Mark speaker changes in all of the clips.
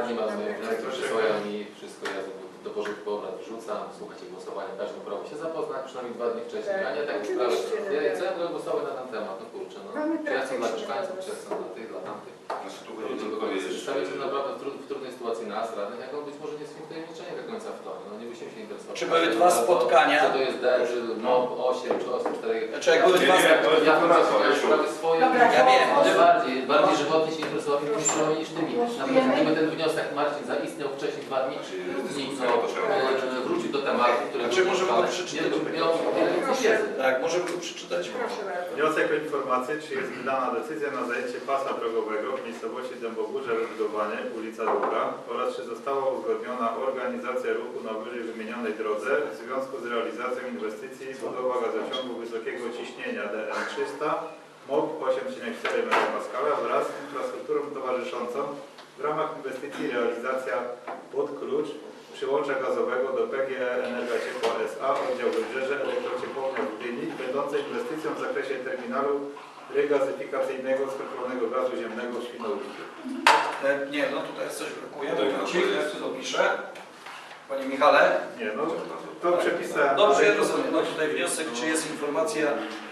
Speaker 1: radni ma swoje wnioski, przysłają mi wszystko, ja do porządku obrad wrzucam, słuchacie głosowania, każdy prawo się zapoznać, przynajmniej 2 dni wcześniej, a nie tak sprawę. Ja chcę głosować na ten temat, no kurczę, no. Czy ja chcę dla mieszkańców, czy ja chcę dla tych, dla tamtych. Stawiacie naprawdę w trudnej sytuacji nas, radnych, jak on być może nie jest wtajemniczenie do końca w to, no nie byśmy się interesowali.
Speaker 2: Czy były 2 spotkania?
Speaker 1: Czy to jest D, czy no 8, czy 8, 4...
Speaker 2: Czy jak były 2 spotkania?
Speaker 1: Ja sprawy swoje,
Speaker 2: ja wiem,
Speaker 1: bardziej żywotnie się interesowałem tymi sprawami niż tymi. Nawet gdyby ten wniosek Marcin zaistniał wcześniej 2 dni, wrócił do tematu, który...
Speaker 2: Czy możemy go przeczytać? Tak, możemy go przeczytać.
Speaker 3: Wniosek o informację, czy jest wydana decyzja na zajęcie pasa drogowego w miejscowości Dębogórze wybudowanie ulica Długa oraz czy została uzgodniona organizacja ruchu na wyżej wymienionej drodze w związku z realizacją inwestycji budowa gazociągu wysokiego ciśnienia DM300 MOP 8,4 MPa wraz z infrastrukturą towarzyszącą w ramach inwestycji realizacja pod klucz przyłącza gazowego do PGE Energia Ciepła S.A. oddział Wybrzeże Elektrociepłownia w Gdyni, będącej inwestycją w zakresie terminalu regazyfikacyjnego skroplonego gazu ziemnego w Świnoujściu.
Speaker 2: Nie, no tutaj coś brakuje. Ja tu dopiszę. Panie Michale?
Speaker 3: Nie, no to przepisałem.
Speaker 2: Dobrze, ja rozumiem. No tutaj wniosek, czy jest informacja...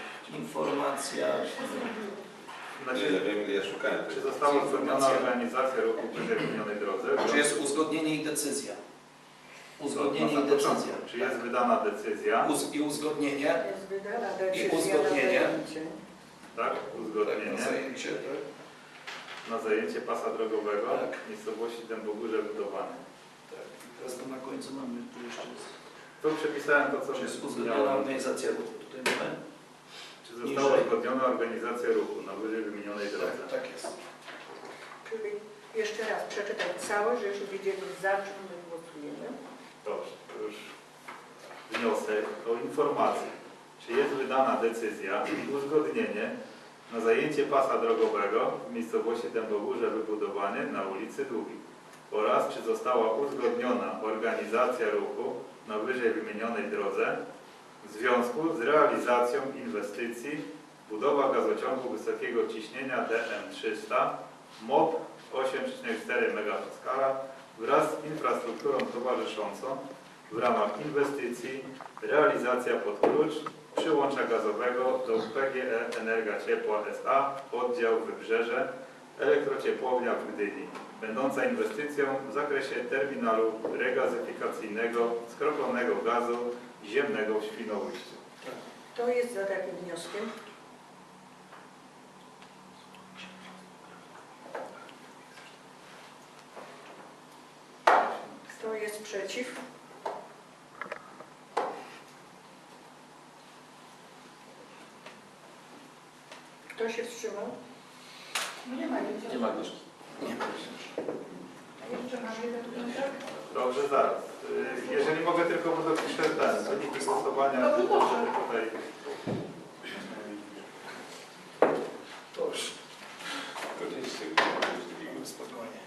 Speaker 3: Ja szukałem. Czy została uzgodniona organizacja ruchu przy wymienionej drodze?
Speaker 2: Czy jest uzgodnienie i decyzja? Uzgodnienie i decyzja.
Speaker 3: Czy jest wydana decyzja?
Speaker 2: I uzgodnienie.
Speaker 4: Jest wydana decyzja.
Speaker 2: I uzgodnienie.
Speaker 3: Tak, uzgodnienie.
Speaker 2: Na zajęcie, tak?
Speaker 3: Na zajęcie pasa drogowego
Speaker 2: Tak.
Speaker 3: w miejscowości Dębogórze budowane.
Speaker 2: Tak. Teraz to na końcu mamy tu jeszcze.
Speaker 3: Tu przepisałem to, co
Speaker 2: Czy jest uzgodniona organizacja ruchu? Tutaj mamy.
Speaker 3: Czy została uzgodniona organizacja ruchu na wyżej wymienionej drodze?
Speaker 2: Tak jest.
Speaker 4: Czyli jeszcze raz przeczytaj całe, żebyśmy wiedzieli, za czym my głosujemy.
Speaker 3: Dobrze, to już wniosek o informację. Czy jest wydana decyzja i uzgodnienie na zajęcie pasa drogowego w miejscowości Dębogórze wybudowanie na ulicy Długiej oraz czy została uzgodniona organizacja ruchu na wyżej wymienionej drodze w związku z realizacją inwestycji budowa gazociągu wysokiego ciśnienia DM300 MOP 8,4 MPa wraz z infrastrukturą towarzyszącą w ramach inwestycji realizacja pod klucz przyłącza gazowego do PGE Energia Ciepła S.A. oddział Wybrzeże Elektrociepłownia w Gdyni, będąca inwestycją w zakresie terminalu regazyfikacyjnego skroplonego gazu ziemnego w Świnoujściu.
Speaker 4: Kto jest za takim wnioskiem? Kto jest przeciw? Kto się wstrzymał?
Speaker 5: Nie ma nic.
Speaker 1: Nie ma Agnieszki.
Speaker 2: Nie ma.
Speaker 5: A jeszcze mamy jeden wniosek?
Speaker 3: Dobrze, zaraz. Jeżeli mogę tylko, bo dopiszę ten wyniki głosowania.
Speaker 5: Dobrze, dobrze.
Speaker 3: Tutaj.
Speaker 2: Dobrze. Spokojnie.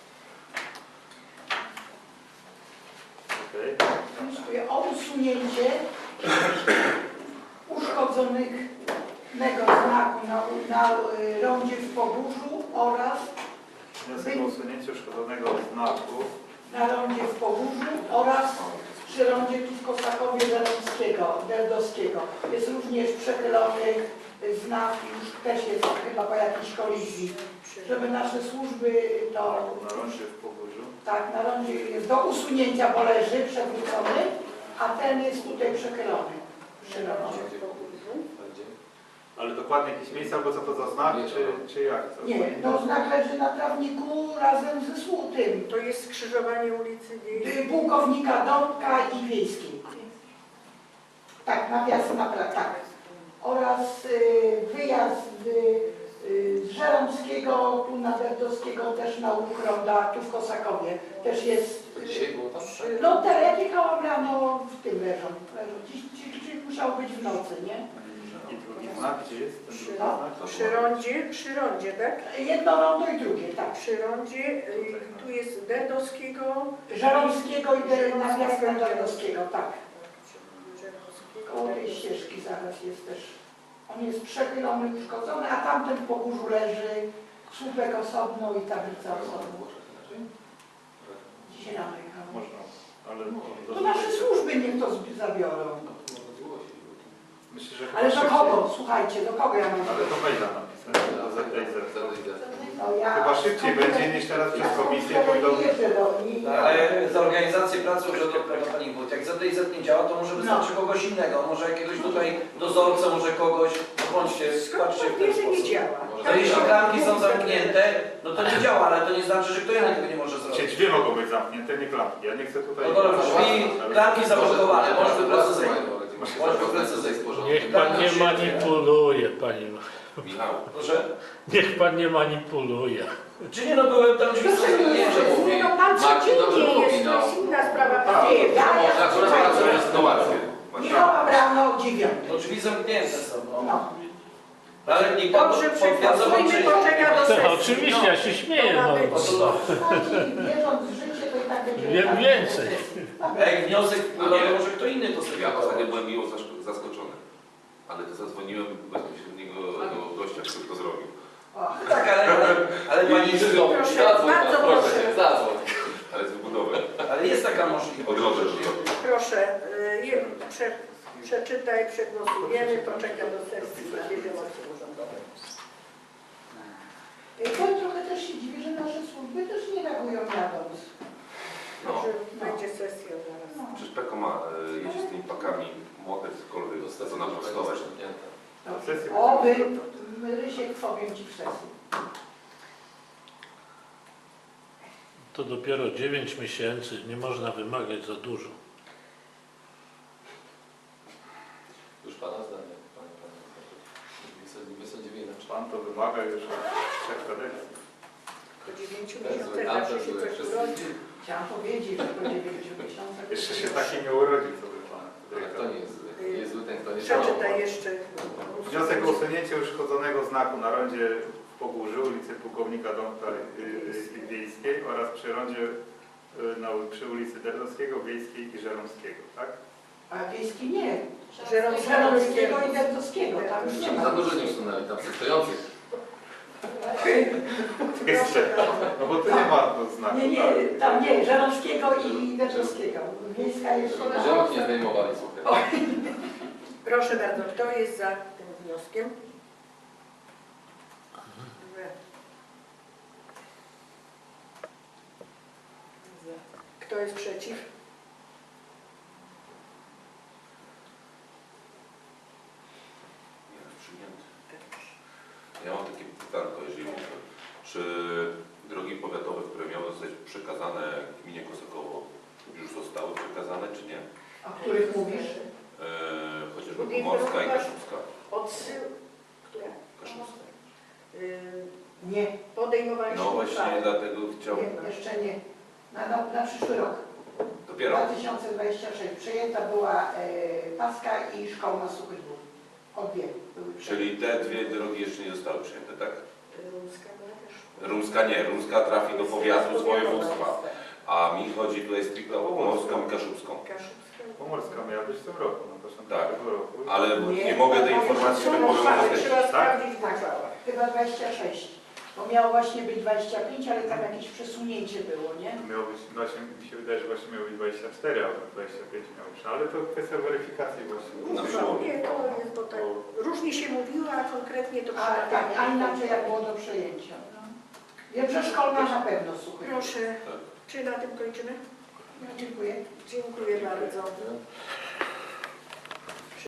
Speaker 3: Okay.
Speaker 5: Wnioskuję o usunięcie uszkodzonego znaku na rondzie w Pogórzu oraz
Speaker 3: Wniosek o usunięcie uszkodzonego znaku.
Speaker 5: na rondzie w Pogórzu oraz przy rondzie tu w Kosakowie Derdowskiego. Jest również przechylony znak, już też jest chyba po jakiejś kolizji, żeby nasze służby to...
Speaker 3: Na rondzie w Pogórzu.
Speaker 5: Tak, na rondzie jest do usunięcia, bo leży przewrócony, a ten jest tutaj przechylony przy rondzie.
Speaker 3: Ale dokładnie jakieś miejsce, albo co to za znak, czy jak? Co?
Speaker 5: Nie, to znak leży na trawniku razem ze słutym.
Speaker 4: To jest skrzyżowanie ulicy Wiejskiej.
Speaker 5: Pułkownika Dąbka i Wiejskiej. Tak, tak. Oraz wyjazd z Żeromskiego, tu na Derdowskiego, też na Ukronda, tu w Kosakowie. Też jest...
Speaker 1: Dzisiaj było tam?
Speaker 5: No te jak jechałam rano, w tym leżą. Dziś musiało być w nocy, nie?
Speaker 3: I drugi znak, gdzie jest ten drugi
Speaker 5: No,
Speaker 3: znak?
Speaker 4: Przy rondzie, tak?
Speaker 5: Jedno rondo i drugie, tak.
Speaker 4: Przy rondzie, tu jest Derdowskiego.
Speaker 5: Żeromskiego i nawias na Derdowskiego, tak.
Speaker 4: Żeromskiego.
Speaker 5: Koło tej ścieżki zaraz jest też. On jest przechylony, uszkodzony, a tamten w Pogórzu leży słupek osobno i tablica osobno. słuchajcie, do kogo ja mam?
Speaker 3: Ale to maila napisać, do ZTZ.
Speaker 5: No ja...
Speaker 3: Chyba szybciej będzie niż teraz przez komisję pójdą.
Speaker 2: Ale za organizację pracy urzędowego Pani Wójt, jak ZTZ nie działa, to może wystarczy kogoś innego, może jakiegoś tutaj dozorcę, może kogoś, no bądźcie, patrzcie w ten
Speaker 4: Wie, że nie
Speaker 2: sposób.
Speaker 4: działa.
Speaker 2: No jeśli klamki są zamknięte, no to nie działa, ale to nie znaczy, że kto inny tego nie może
Speaker 3: Czy
Speaker 2: zrobić.
Speaker 3: drzwi mogą być zamknięte, nie klamki. Ja nie chcę tutaj...
Speaker 2: No dobra, drzwi, klamki zablokowane, może precyzyjnie.
Speaker 1: Może precyzyjnie sporządek.
Speaker 6: Niech pan nie manipuluje, panie.
Speaker 1: Michał,
Speaker 2: Proszę?
Speaker 6: Niech pan nie manipuluje.
Speaker 2: Czy nie, no byłem tam drzwi
Speaker 4: Proszę
Speaker 2: zamknięte.
Speaker 4: nie, no pan
Speaker 1: Marcin dobrze
Speaker 4: codziennie
Speaker 1: mówi,
Speaker 4: jest,
Speaker 1: no.
Speaker 4: to jest inna sprawa.
Speaker 5: Nie, ja
Speaker 1: akurat pracuje sytuację.
Speaker 5: Michała rano o 9.
Speaker 2: No drzwi zamknięte są, no.
Speaker 5: No.
Speaker 2: Ale nikt pan
Speaker 4: Dobrze,
Speaker 2: potwierdza,
Speaker 4: przegłosujmy,
Speaker 2: czy...
Speaker 4: poczeka do sesji.
Speaker 6: Oczywiście, ja się śmieję.
Speaker 4: To ma
Speaker 6: No.
Speaker 4: być.
Speaker 5: Słuchajcie, wierząc w życie, to i tak będzie...
Speaker 6: Wiem więcej.
Speaker 2: Jak wniosek wpływa, to może kto inny to sobie
Speaker 7: Ja ostatnio byłem miło zaskoczony, ale to zadzwoniłem bezpośredniego do gościa, który to zrobił.
Speaker 2: Tak, ale pani...
Speaker 4: Proszę,
Speaker 1: Zadzwoń,
Speaker 4: bardzo
Speaker 1: proszę,
Speaker 4: proszę.
Speaker 1: zadzwoń.
Speaker 7: Ale z wybudowy.
Speaker 2: Ale jest taka możliwość.
Speaker 7: Odrodzę to zrobił.
Speaker 4: Proszę, przeczytaj, przegłosujemy, poczeka do sesji na wiadomości urzędowej.
Speaker 5: To trochę też się dziwię, że nasze służby też nie reagują jadąc.
Speaker 7: No.
Speaker 4: Że będzie sesja zaraz.
Speaker 7: Przecież Peko ma jeździ z tymi pakami młodych, cokolwiek, co nam powstawać.
Speaker 5: Oby, Rysiek, powiem Ci w sesji.
Speaker 6: To dopiero 9 miesięcy, nie można wymagać za dużo.
Speaker 1: Już pana zdanie, panie. Wysądzimy inaczej.
Speaker 3: Pan to wymaga już od 3 kadencji.
Speaker 4: Po 9
Speaker 1: To jest zły,
Speaker 4: miesiącach
Speaker 1: tam
Speaker 4: zawsze
Speaker 1: to
Speaker 4: się
Speaker 1: zły.
Speaker 4: coś
Speaker 1: Wszyscy-
Speaker 4: urodzi.
Speaker 5: Chciałam powiedzieć, że po 9 miesiącach...
Speaker 3: Jeszcze się taki nie urodził, co by Pan.
Speaker 1: Ale kto nie jest zły? Jest zły ten, kto nie
Speaker 4: Przeczytaj jeszcze.
Speaker 3: Wniosek o usunięcie uszkodzonego znaku na rondzie w Pogórzu, ulicy Pułkownika Dąbka Wiejskiej oraz przy rondzie przy ulicy Derdowskiego, Wiejskiej i Żeromskiego, tak?
Speaker 5: A wiejski nie.
Speaker 4: Żeromskiego
Speaker 5: i Dębowskiego, tam już nie ma.
Speaker 1: Za dużo nie usunęli, tam są stojących.
Speaker 3: No bo tu nie ma znaku.
Speaker 5: Nie,
Speaker 3: tak?
Speaker 5: tam nie, Żeromskiego i Dębowskiego. Wiejska jeszcze
Speaker 1: Żełk nie zdejmowali, słuchaj.
Speaker 4: Proszę bardzo, kto jest za tym wnioskiem? Kto jest przeciw?
Speaker 7: Nie, już przyjęty. Ja mam takie pytanko, jeżeli mogę. Czy drogi powiatowe, które miały zostać przekazane gminie Kosakowo, już zostały przekazane, czy nie?
Speaker 5: O których mówisz?
Speaker 7: Chociażby Pomorska i Kaszubska.
Speaker 4: Odsył... Która?
Speaker 7: Kaszubska.
Speaker 5: Nie,
Speaker 4: Podejmowaliśmy
Speaker 7: No właśnie,
Speaker 4: uchwałę.
Speaker 7: dlatego chciałbym...
Speaker 5: nie, jeszcze nie. Na przyszły rok.
Speaker 7: Dopiero.
Speaker 5: 2026. Przejęta była Paska i Szkoła na Suchych Dwóch. Obie były przejęte.
Speaker 7: Czyli te dwie drogi jeszcze nie zostały przyjęte, tak?
Speaker 4: Rumska była też.
Speaker 7: Rumska nie, Rumska trafi do powiatu z województwa. A mi chodzi tutaj stricte o Pomorską i Kaszubską.
Speaker 4: Kaszubska.
Speaker 3: Pomorska miała być w tym roku, na początku
Speaker 7: Tak.
Speaker 3: tego roku.
Speaker 7: Ale nie mogę tej informacji
Speaker 4: Trzeba
Speaker 7: wypowiedzieć.
Speaker 4: trzeba
Speaker 3: Tak?
Speaker 4: sprawdzić w
Speaker 5: Tak,
Speaker 4: uchwałach.
Speaker 5: chyba 26. Bo miało właśnie być 25, ale tam jakieś przesunięcie było, nie?
Speaker 3: Miało być, właśnie mi się wydaje, że właśnie miało być 24, a 25 miało być. Ale to kwestia weryfikacji właśnie.
Speaker 7: Na przełomie.
Speaker 4: Nie, to jest, bo tak różnie się mówiło, a konkretnie to
Speaker 5: A tak, a inaczej jak było do przejęcia. No. Wiem, że szkolna na pewno Suchy.
Speaker 4: Proszę,
Speaker 7: Tak.
Speaker 4: czy na tym kończymy?
Speaker 5: Dziękuję.
Speaker 4: Dziękuję bardzo.